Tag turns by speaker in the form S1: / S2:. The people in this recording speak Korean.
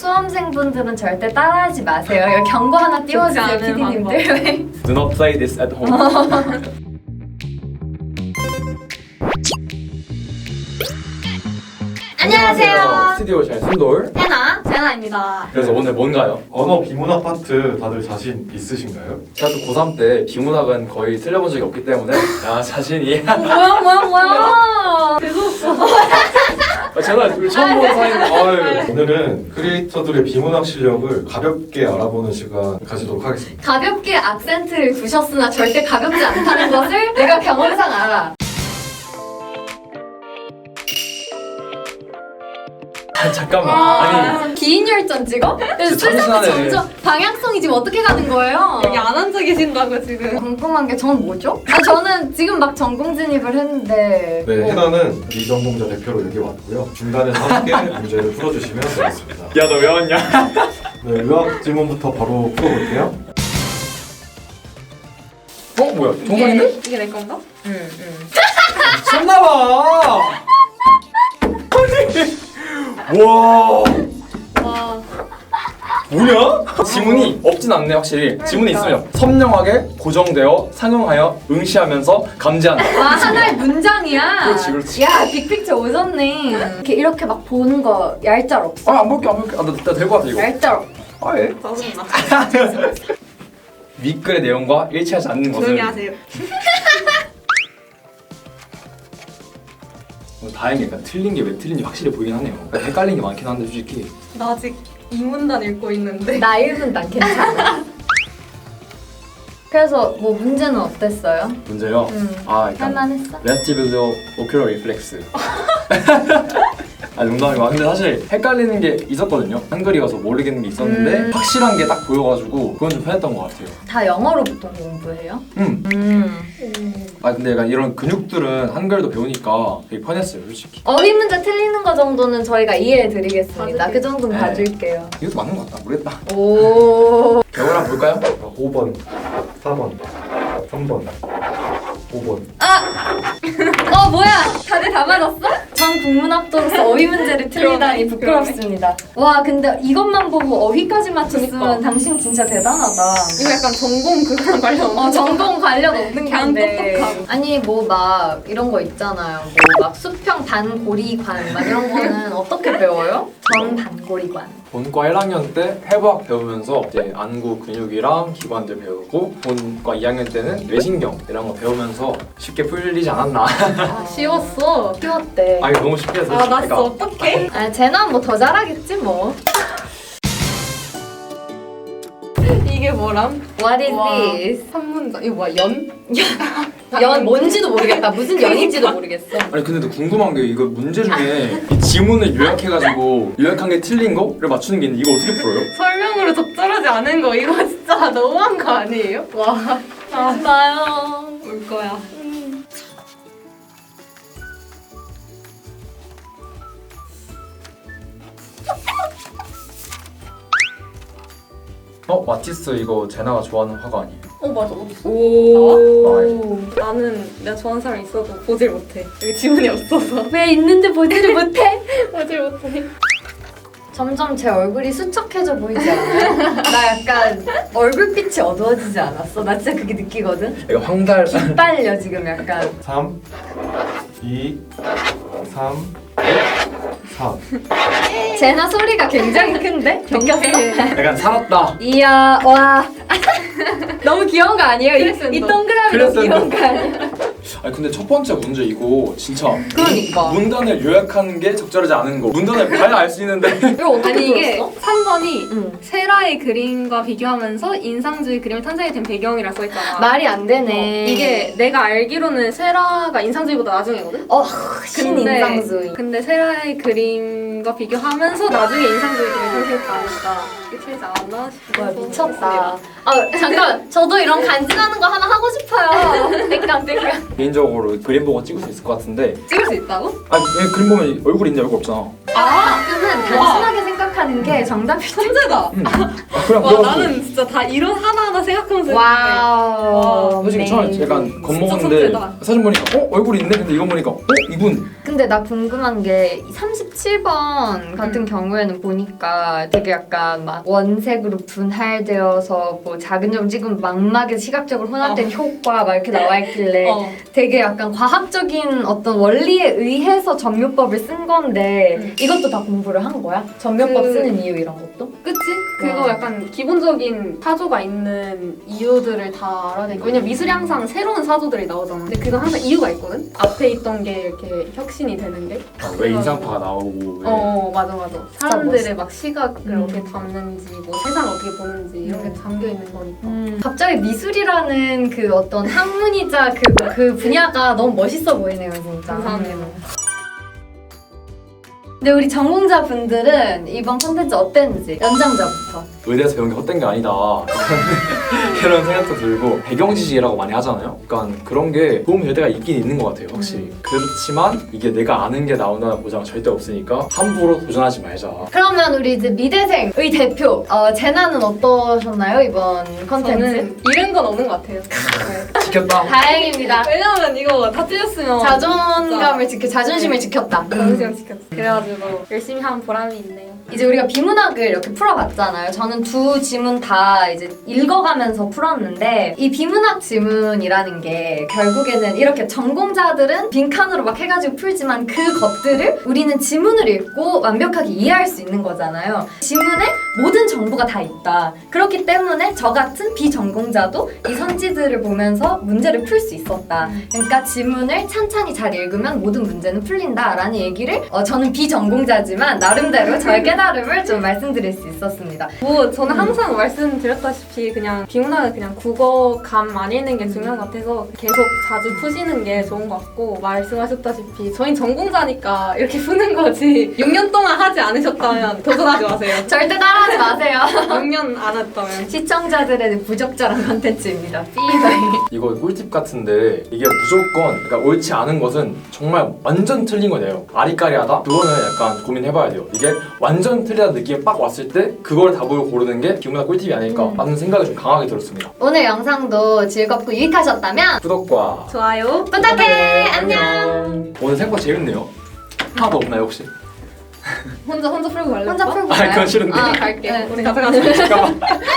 S1: 수험생분들은 절대 따라하지 마세요. 여기 경고 하나 띄워주세요, PD님들.
S2: Do not play this at home.
S1: 안녕하세요.
S2: 스튜디오 잘 순돌.
S1: 해나, 제나입니다.
S2: 그래서 오늘 뭔가요?
S3: 언어 비문학 파트 다들 자신 있으신가요?
S2: 제가 또 고3 때 비문학은 거의 틀려본 적이 없기 때문에 자신이
S1: 뭐야. 재수없어.
S2: 제가 우리 처음 보는 사이인데
S3: 오늘은 크리에이터들의 비문학 실력을 가볍게 알아보는 시간 가지도록 하겠습니다.
S1: 가볍게 악센트를 두셨으나 절대 가볍지 않다는 것을 내가 경험상 알아.
S2: 잠깐만. 아니
S1: 기인열전 찍어? 그래서
S2: 진짜
S1: 술자리
S2: 참신하네.
S1: 점점 방향성이 지금 어떻게 가는 거예요?
S4: 여기 안 앉아 계신다고 지금.
S1: 궁금한 게 전 뭐죠? 저는 지금 막 전공 진입을 했는데
S3: 네, 해나는 비전공자 대표로 여기 왔고요. 중간에서 함께 문제를 풀어주시면 되겠습니다.
S2: 야 너 왜 왔냐?
S3: 네, 의학 질문부터 바로 풀어볼게요.
S2: 뭐야 정상인데?
S4: 이게 내 건가?
S2: 미쳤나봐. 와
S4: 와.
S2: 뭐냐? 지문이 없진 않네 확실히. 지문이 있으면 선명하게 고정되어 상응하여 응시하면서 감지한다.
S1: 와 하나의 문장이야.
S2: 그렇지, 그렇지.
S1: 야 빅픽처 오졌네. 이렇게 막 보는 거 얄짤 없어.
S2: 안 볼게. 나 될 것 같아 이거.
S1: 얄짤 없어.
S2: 예.
S4: 짜증나.
S2: 윗글의 내용과 일치하지 않는 것을
S4: 조용히 하세요.
S2: 다행이니까 틀린 게 왜 틀린지 확실히 보이긴 하네요. 헷갈린 게 많긴 한데 솔직히
S4: 나 아직 이 문단 읽고 있는데.
S1: 나 1분 난 괜찮아. 그래서 뭐 문제는 어땠어요?
S2: 문제요. 일단
S1: 할만했어?
S2: Vestibular ocular reflex. 농담이고 근데 사실 헷갈리는 게 있었거든요. 한글이어서 모르겠는 게 있었는데 확실한 게 딱 보여가지고 그건 좀 편했던 것 같아요.
S1: 다 영어로 보통 공부해요?
S2: 근데 약간 이런 근육들은 한글도 배우니까 되게 편했어요 솔직히.
S1: 어휘 문제 틀리는 거 정도는 저희가 이해해드리겠습니다.
S4: 봐줄게요.
S1: 그 정도는
S2: 네.
S1: 봐줄게요.
S2: 이것도 맞는 것 같다. 모르겠다.
S1: 오.
S2: 배우를 한번 볼까요?
S3: 5번, 4번, 3번, 5번.
S1: 뭐야? 다들 다 맞았어? 전 국문학도로서 어휘 문제를 틀리다니 부끄럽습니다. 와 근데 이것만 보고 어휘까지 맞췄으면
S4: 그니까.
S1: 당신 진짜 대단하다.
S4: 이거 약간 전공 그거랑 관련
S1: 전공 관련 없는
S4: 그냥
S1: 건데.
S4: 똑똑하고.
S1: 아니 뭐 막 이런 거 있잖아요. 뭐 막 수평 반고리관 막 이런 거는 어떻게 배워요? 전 반고리관.
S2: 본과 1학년 때 해부학 배우면서 이제 안구 근육이랑 기관들 배우고 본과 2학년 때는 뇌신경 이런 거 배우면서 쉽게 풀리지 않았나.
S4: 쉬웠어.
S1: 쉬웠대.
S2: 이거 너무 쉽게 해서
S4: 나 진짜 어떡해?
S1: 쟤는 뭐 더 잘하겠지 뭐.
S4: 이게 뭐람?
S1: What is
S4: 와.
S1: this?
S4: 한 문장. 이거 뭐야? 연?
S1: 연 뭔지도 모르겠다. 무슨 연인지도 모르겠어.
S2: 아니 근데 또 궁금한 게 이거 문제 중에 이 지문을 요약해가지고 요약한 게 틀린 거를 맞추는 게 있는데 이거 어떻게 풀어요?
S4: 설명으로 적절하지 않은 거 이거 진짜 너무한 거 아니에요? 와.
S1: 나요.
S4: 울 거야.
S2: 마티스 이거 제나가 좋아하는 화가 아니에요?
S4: 맞아. 어딨어?
S1: 오.
S4: 나는 내가 좋아하는 사람 있어도 보질 못해. 여기 지문이 없어서.
S1: 왜 있는데 보지를 못해?
S4: 보질 못해.
S1: 점점 제 얼굴이 수척해져 보이지 않아요? 나 약간 얼굴빛이 어두워지지 않았어? 나 진짜 그게 느끼거든?
S2: 이거 황달
S1: 빨려 지금 약간.
S3: 3, 2, 3, 4.
S1: 제나 소리가 굉장히 큰데? 느꼈어?
S2: 약간 살았다.
S1: 이야 와 너무 귀여운 거 아니에요? 이 동그라미 너무
S2: 그랬었는데.
S1: 귀여운 거 아니에요?
S2: 아니 근데 첫 번째 문제 이거 진짜
S1: 그러니까.
S2: 문단을 요약하는 게 적절하지 않은 거. 문단을 봐야 알 수 있는데
S1: 이거 어떻게
S4: 아니 이게
S1: 풀었어?
S4: 3번이
S1: 응.
S4: 세라의 그림과 비교하면서 인상주의 그림이 탄생이 된 배경이라 써있잖아.
S1: 말이 안 되네.
S4: 이게 내가 알기로는 세라가 인상주의보다 나중이거든?
S1: 신인상주의.
S4: 근데 세라의 그림과 비교하면서 나중에 인상주의 그림이 탄생했다니까 이게 틀리지 않았나 싶어서
S1: 와 미쳤다. 잠깐 저도 이런 간지나는 거 하나 하고 싶어요. 땡깡.
S2: 개인적으로 그림 보고 찍을 수 있을 것 같은데
S4: 찍을 수 있다고?
S2: 얘 그림 보면 얼굴 있냐 얼굴 없잖아.
S1: 그는 단순하게 생각하는 게 정답일 때.
S4: 천재다!
S2: 그냥
S4: 와
S2: 그래가지고
S4: 나는 진짜 다 이런 하나하나 생각하면서
S1: 와우.
S2: 솔직히 처음에
S1: 네.
S2: 약간
S4: 진짜
S2: 겁먹었는데
S4: 천재다.
S2: 사진 보니까 얼굴이 있네? 근데 이거 보니까 이분
S1: 근데 나 궁금한 게 37번 같은 경우에는 보니까 되게 약간 막 원색으로 분할되어서 뭐 작은 점 찍으면 망막에 시각적으로 혼합된 효과 막 이렇게 나와 있길래 되게 약간 과학적인 어떤 원리에 의해서 전묘법을 쓴 건데 이것도 다 공부를 한 거야? 전묘법 쓰는 이유 이런 것도?
S4: 그치? 그거 약간 기본적인 사조가 있는 이유들을 다 알아야 되니까. 왜냐면 미술이 항상 새로운 사조들이 나오잖아. 근데 그건 항상 이유가 있거든? 앞에 있던 게 이렇게 혁신이 되는 게.
S2: 왜 인상파가 나오고 왜
S4: 맞아. 사람들의 막 시각을 어떻게 담는지, 뭐 세상을 어떻게 보는지 이런 게 담겨 있는 거니까.
S1: 갑자기 미술이라는 그 어떤 학문이자 그 분야가 너무 멋있어 보이네요, 진짜.
S4: 감사합니다.
S1: 근데 우리 전공자분들은 이번 콘텐츠 어땠는지 연장자부터.
S2: 의대에서 배운 게 헛된 게 아니다 이런 생각도 들고 배경 지식이라고 많이 하잖아요. 그러니까 그런 게 도움이 될 때가 있긴 있는 것 같아요, 확실히. 그렇지만 이게 내가 아는 게 나온다는 보장은 절대 없으니까 함부로 도전하지 말자.
S1: 그러면 우리 이제 미대생의 대표 제나는 어떠셨나요, 이번 콘텐츠?
S4: 저는 잃은 건 없는 것 같아요. 네.
S2: 지켰다.
S1: 다행입니다.
S4: 왜냐면 이거 다 틀렸으면
S1: 자존감을 자존심을 지켰다.
S4: 자존심을 지켰어. 그래가지고 열심히 한 보람이 있네요.
S1: 이제 우리가 비문학을 이렇게 풀어봤잖아요. 저는 두 지문 다 이제 읽어가면서 풀었는데 이 비문학 지문이라는 게 결국에는 이렇게 전공자들은 빈칸으로 막 해가지고 풀지만 그 것들을 우리는 지문을 읽고 완벽하게 이해할 수 있는 거잖아요. 지문에 모든 정보가 다 있다. 그렇기 때문에 저 같은 비전공자도 이 선지들을 보면서 문제를 풀 수 있었다. 그러니까 지문을 찬찬히 잘 읽으면 모든 문제는 풀린다라는 얘기를 저는 비전공자지만 나름대로 저의 깨달음을 좀 말씀드릴 수 있었습니다.
S4: 뭐 저는 항상 말씀드렸다시피 그냥 비문학은 그냥 국어감 많이 읽는 게 중요한 것 같아서 계속 자주 푸시는 게 좋은 것 같고, 말씀하셨다시피 저희 전공자니까 이렇게 푸는 거지 6년 동안 하지 않으셨다면 도전하지 마세요.
S1: 절대 따라하지 마세요.
S4: 6년 안 했다면.
S1: 시청자들의 부적절한 컨텐츠입니다. 삐바이.
S2: 이거 꿀팁 같은데 이게 무조건 그러니까 옳지 않은 것은 정말 완전 틀린 거예요. 아리까리하다? 그거는 약간 고민해봐야 돼요. 이게 완전 틀리다는 느낌이 빡 왔을 때 그걸 답을 고르는 게 비문학 꿀팁이 아닐까 라는 생각이 좀 강하게 들었습니다.
S1: 오늘 영상도 즐겁고 유익하셨다면
S2: 구독과
S4: 좋아요.
S1: 부탁해. 안녕.
S2: 오늘 생각보다 재밌네요. 하나도 없나요 혹시?
S4: 혼자 풀고 갈래?
S1: 혼자 풀고
S2: 아
S1: 가요?
S2: 그건 싫은데.
S1: 아,
S4: 갈게.
S1: 네.
S4: 우리 가서 가자.
S2: 잠깐만.